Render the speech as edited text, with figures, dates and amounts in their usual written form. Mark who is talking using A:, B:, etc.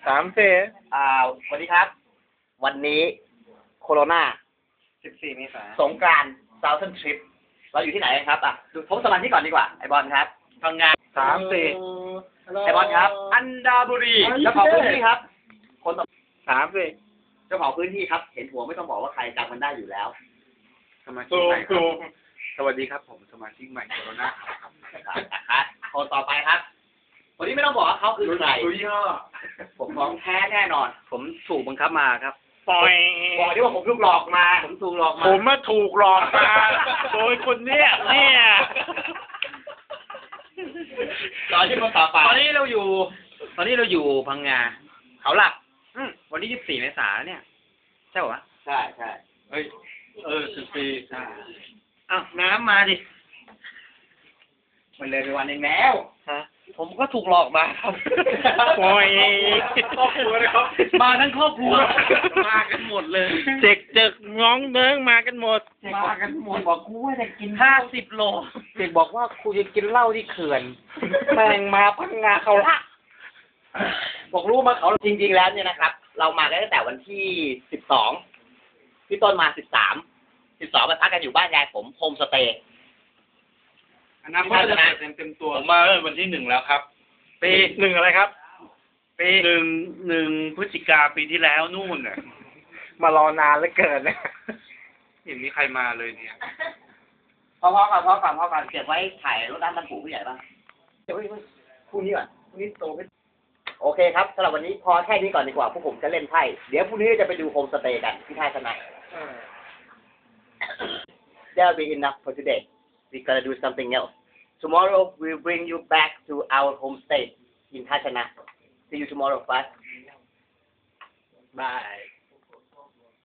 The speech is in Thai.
A: 3 4
B: สวัสดีครับ วันนี้โคโรนา
A: 14 เมษายน
B: สงกรานต์ซาวเทิร์นทริปเราอยู่ที่ไหนกันครับดูพบสมาชิกก่อนดีกว่าไอบอลครับพังงา
A: 3 4
B: ไอบอลครับ อันดาบุรีเจ้าของพื้นที่ครับ คนต่อ
A: 3 4
B: เจ้าของพื้นที่ครับ เห็นหัวไม่ต้องบอกว่าใครจำมันได้อยู่แล้ว
A: สมาชิกใหม่ครับสวัสดีครับผมสมาชิกใหม่โคโรนาครับ
B: คนต่อไปครับคนนี้ไม่ต้องบอกว่าเขาคือใครผมของแท้แน่นอน
A: ผมถูกบังคับมาครับ
B: ปล่อยบอกที่ว่าผมถูกหลอกมา
A: ผมถูกหลอกมาผมมาถูกหลอกมาโดยคนเนี้ย
B: ตอนที่คนต่อไป
A: ตอนนี้เราอยู่พังงาเขาหลักวันที่24 เมษายนเนี่ยใช่ป่ะ
B: ใช่
A: เฮ้ย14ใช่อ้าวน้ำมาดิ
B: มันเลยไปวันหนึ่งแล้ว
A: ฮะผมก็ถูกหลอกมาครับโอ้ย
B: ครอบครัวเลยครับ
A: มาทั้งครอบครัวมากันหมดเลยเด็กน้องเนิ้งมากันหมด
B: บอกกูว่าจะกิน
A: 50 โล
B: เด็กบอกว่ากูจะกินเหล้าที่เขื่อนแม่งมาพังงาเขาละบอกรู้มาเขาจริงๆแล้วเนี่ยนะครับเรามากันตั้งแต่วันที่12พี่ต้นมา13มาพักกันอยู่บ้านยายผมโฮมสเตย์
A: อันนั้นก็จะเต็มตัวผมมาวันที่1แล้วครับปี1อะไรครับปี1 พฤศจิกาปีที่แล้วนู่นน่ะ
B: มารอนานเหลือเกินนะ
A: เห็นมีใครมาเลยเนี่ย
B: พอก่อนเก็บไว้ถ่ายรถน้ำดำปู่ผู้ใหญ่บ้างเดี๋ยวพรุ่งนี้ก่อนพรุ่งนี้โตไม่โอเคครับสำหรับวันนี้พอแค่นี้ก่อนดีกว่าพวกผมจะเล่นไพ่เดี๋ยวพรุ่งนี้จะไปดูโฮมสเตย์กันที่ท่าชนะ That'll be enough for today. We gotta do something else. Tomorrow we'll bring you back to our homestay in Thachana. See you tomorrow, bye.
A: Bye.